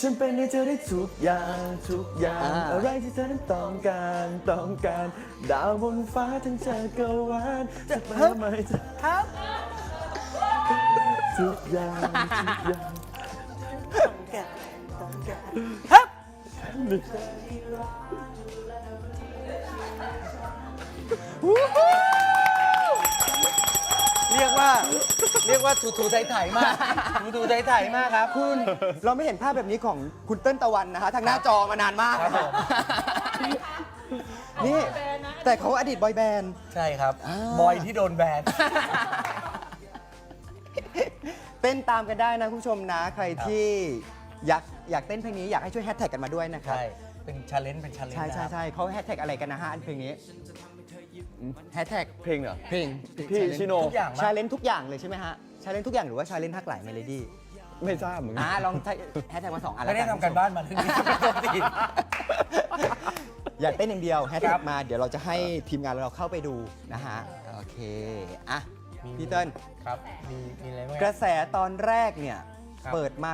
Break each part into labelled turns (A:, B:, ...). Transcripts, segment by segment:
A: ฉันเป็นให้เธอได้ทุกอย่างทุกอย่างอะไรที่เธอนั้นต้องการดาวบนฟ้าทั้งจักรวาลจะมาไหมจะ
B: ครับ
A: ทุกอย่างทุกอย่าง
B: ครับเรียกว่าถูไถมากถูไถมากครับ
C: คุณเราไม่เห็นภาพแบบนี้ของคุณเติ้ลตะวันนะคะทางหน้าจอมานานมาก
B: ครับผม
C: นี่แต่เขาอดีตบอยแบนด์
B: ใช่ครับ
C: อ่า
B: บอยที่โดนแบน
C: เต้นตามกันได้นะคุณผู้ชมนะ ใครที่อยากเต้นเพลงนี้อยากให้ช่วยแฮชแท็กกันมาด้วยนะครับ
B: ใช่เป็นชาเลนจ์
C: ใช่เขาแฮชแท็กอะไรกันนะฮะอันเพลงนี้แฮชแท็ก
A: เพลงเหรอ
C: เพลง
A: พี่ชิโน
B: ทุกอย่าง
C: ชาเลนทุกอย่างเลยใช่ไหมฮะชาเลนทุกอย่างหรือว่าชาเลนทักหลายเมโลดี้
A: ไม่ทราบเหมือนกัน
C: ลองแฮชแท็กมา2 อัน
B: ไม่
C: แล้ว
B: ได้
C: กัน
B: ทำกันบ้านมาเรื่องนี้ไม่ต้องติด
C: อยากเต้นอย่างเดียวแฮช
B: ค
C: แท็
B: รั
C: ก
B: บ
C: มาเดี๋ยวเราจะให้ทีมงานเราเข้าไปดูนะฮะโอเคอ่ะพี่เติ้ล
B: ครับมีอะไรบ้าง
C: กระแสตอนแรกเนี่ย
B: ครับ
C: เปิดมา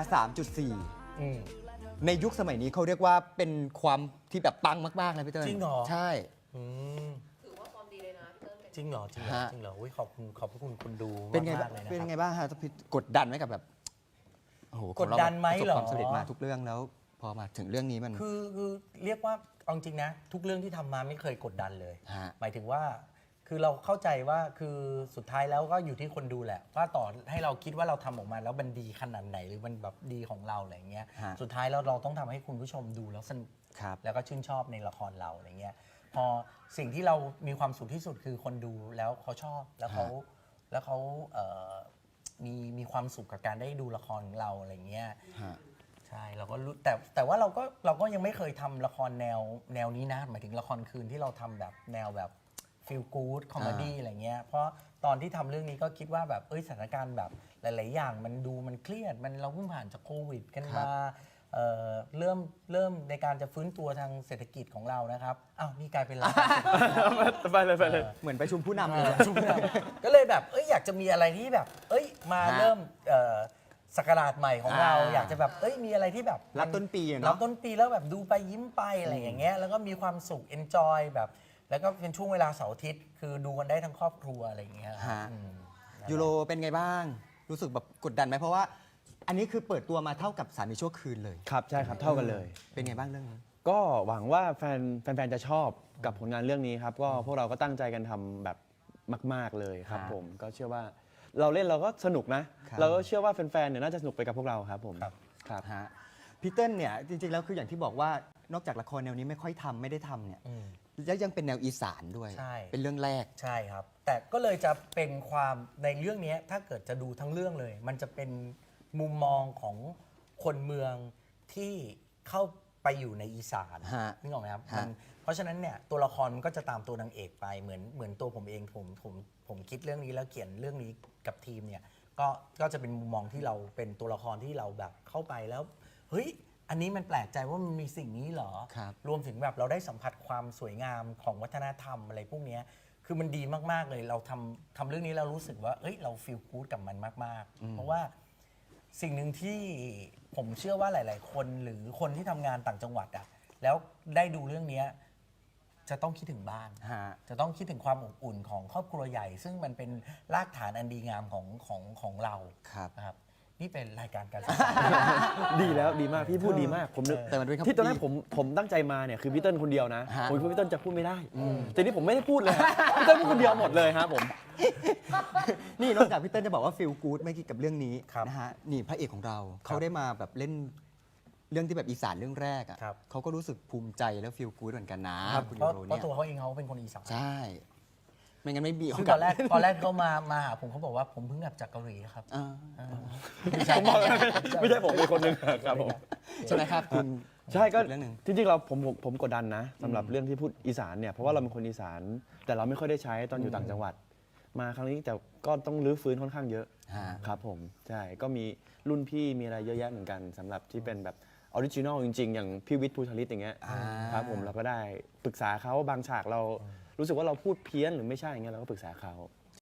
C: 3.4
B: อืม
C: ในยุคสมัยนี้เขาเรียกว่าเป็นความที่แบบปังมากๆเลยพี่เติ้ล
B: จริงเหรอ
C: ใช่
B: อืม
D: ถือว่าฟอร์มดีเลยนะพี่เติ้ล
B: จริงเหรอจริงเหรอ
C: ฮะ
B: จริงเหรออุ๊ยขอบคุณคุณดู
C: เป็นไง
B: มา
C: บ้าก ง
B: ๆเลยนะ
C: เป็น
B: ค
C: ไง
B: รับ
C: บ้างฮะพี่กดดันไหมกับแบบโอ้โห
B: กดดันไหม
C: ของ
B: เหรอ
C: เราประสบความสำเร็จมาทุกเรื่องแล้ว พอมาถึงเรื่องนี้มัน
B: คือเรียกว่าเอาจริงนะ ทุกเรื่องที่ทำมาไม่เคยกดดันเลย
C: ฮะ
B: หมายถึงว่าคือเราเข้าใจว่าคือสุดท้ายแล้วก็อยู่ที่คนดูแหละ ว่าต่อให้เราคิดว่าเราทำออกมาแล้วมันดีขนาดไหนหรือมันแบบดีของเราอะไรเงี้ย
C: ฮะ
B: สุดท้ายแล้วเราต้องทำให้คุณผู้ชมดูแล้วสนุก
C: ครับ
B: แล้วก็ชื่นชอบในละครเราอะไรเงี้ยพอสิ่งที่เรามีความสุขที่สุดคือคนดูแล้วเขาชอบแล้วเขามีความสุขกับการได้ดูละครของเราอะไรเงี้ย
C: ฮะ
B: ใช่เราก็รู้แต่ว่าเราก็ยังไม่เคยทำละครแนวนี้นะหมายถึงละครคืนที่เราทำแบบแนวแบบฟีลกู๊ดคอมเมดี้อะไรเงี้ยเพราะตอนที่ทำเรื่องนี้ก็คิดว่าแบบสถานการณ์แบบหลาย ๆ อย่างมันเครียดเราเพิ่งผ่านจากโควิดกันมาเริ่มในการจะฟื้นตัวทางเศรษฐกิจของเรานะครับอ้าวนี่กลายเป็นเรา
A: ไปเลย
C: เหมือนประชุมผู้นำเลย
B: ก็เลยแบบอยากจะมีอะไรที่แบบมา
C: ฮะ
B: เริ่มศักราชใหม่ของเรา
C: อ่า
B: อยากจะแบบมีอะไรที่แบบ
C: รับต้นปีอะเนอะ
B: รับต้นปีแล้วแบบดูไปยิ้มไปอะไรอย่างเงี้ยแล้วก็มีความสุข enjoy แบบแล้วก็เป็นช่วงเวลาเสาร์อาทิตย์คือดูกันได้ทั้งครอบครัวอะไรอย่างเงี้ย
C: ฮะ
B: อืม
C: ยูโรเป็นไงบ้าง รู้สึกแบบกดดันไหมเพราะว่า อันนี้คือเปิดตัวมาเท่ากับสามีชั่วคืนเลย
A: ครับใช่ครับเท่ากันเลย
C: เป็นไงบ้างเรื่องนี้
A: ก็หวังว่าแฟนๆจะชอบกับผลงานเรื่องนี้ครับก็พวกเราก็ตั้งใจกันทำแบบมาก ๆเลยครับ
C: ฮะ
A: ผมก็เชื่อว่าเราเล่นเราก็สนุกนะ
C: ครับ
A: เราก็เชื่อว่าแฟนๆเนี่ยน่าจะสนุกไปกับพวกเราครับผม
B: ครับ
A: ครับ
C: ฮะพี่เติ้ลเนี่ยจริงๆแล้วคืออย่างที่บอกว่านอกจากละครแนวนี้ไม่ค่อยทำไม่ได้ทำเนี่ย
B: อืม
C: แล้วยังเป็นแนวอีสานด้วย
B: ใช่
C: เป็นเรื่องแรก
B: ใช่ครับ แต่ก็เลยจะเป็นความในเรื่องนี้ถ้าเกิดจะดูทั้งเรื่องเลย มันจะเป็นมุมมองของคนเมืองที่เข้าไปอยู่ในอีสาน
C: ฮะ
B: นึกออกไหมครับ
C: ฮะ
B: เพราะฉะนั้นเนี่ยตัวละครมันก็จะตามตัวนางเอกไปเหมือนตัวผมเองผมคิดเรื่องนี้แล้วเขียนเรื่องนี้กับทีมเนี่ยก็จะเป็นมุมมองที่เราเป็นตัวละครที่เราแบบเข้าไปแล้วเฮ้ยอันนี้มันแปลกใจว่ามันมีสิ่งนี้เหรอ
C: ครับ
B: รวมถึงแบบเราได้สัมผัสความสวยงามของวัฒนธรรมอะไรพวกเนี้ยคือมันดีมาก ๆ เลย เราทำเรื่องนี้เรารู้สึกว่าเราฟีลกู๊ดกับมันมาก ๆ เพราะว่าสิ่งหนึ่งที่ผมเชื่อว่าหลาย ๆ คนหรือคนที่ทำงานต่างจังหวัดอะแล้วได้ดูเรื่องเนี้ยจะต้องคิดถึงบ้าน
C: ฮะ
B: จะต้องคิดถึงความอบอุ่นของครอบครัวใหญ่ ซึ่งมันเป็นรากฐานอันดีงามของเรา
C: ครับ
B: นะครับ นี่เป็นรายการการศึกษา
A: ดีแล้วดีมากพี่พูดดีมากผมนึก
C: แต่มันเป็นคำ
A: ที่ตอนแรก
C: ดี
A: ผมตั้งใจมาเนี่ยคือพี่เติ้ลคนเดียวนะ
C: ฮะ
A: ผมคิดว่าพี่เติ้ลจะพูดไม่ได้แต่นี่ผมไม่ได้พูดเลยฮะพี่เติ้ลพูดคนเดียวหมดเลยครับผม
C: นี่นอกจากพี่เติ้ลจะบอกว่าฟีลกู๊ดไม่กี่กับเรื่องนี้
B: ครับ
C: นะฮะนี่พระเอกของเราเขาได้มาแบบเล่นเรื่องที่แบบอีสานเรื่องแรกอ่ะ
B: ครับ
C: เขาก็รู้สึกภูมิใจแล้วฟีลกู๊ดเหมือนกันนะครับ คุณ
B: เพ
C: ยู
B: ราะ
C: โร
B: เพราะ
C: เนี่ย
B: ตัวเขาเองเขาเป็นคนอีสาน
C: ใช่ ไม่งั้นไม่มี
B: ซึ่ง
C: โา
B: ต
C: ส
B: อนแรกเขามาหาผมเขาบอกว่าผมเพิ่งกลับจากเกาหลีครับ
C: อ่า
A: ผมบอกเลยไม่ใช่ผมเป็นคนหนึ่งครับผม
C: ใช่ไหมครับคุณ
A: ใช่ก็
C: เรื่องหนึ่ง
A: จริงๆเราผมกดดันนะสำหรับเรื่องที่พูดอีสานเนี่ยเพราะว่าเราเป็นคนอีสาน แต่เราไม่ค่อยได้ใช้ตอนอยู่ต่างจังหวัด มาครั้งนี้แต่ก็ต้องรื้อฟื้นค่อนข้างเยอะ
C: ฮะ
A: ครับผมใช่ก็มีรุ่นพี่มีอะไรเยอะแยะเหมือนกันสำหรับที่เป็นแบบออริจินอลจริงๆ อย่างพี่วิทย์ภูทลิตอย่างเงี้ยครับผมเราก็ได้ปรึกษาเขาบางฉากเรารู้สึกว่าเราพูดเพี้ยนหรือไม่ใช่อย่างเงี้ยเราก็ปรึกษาเขา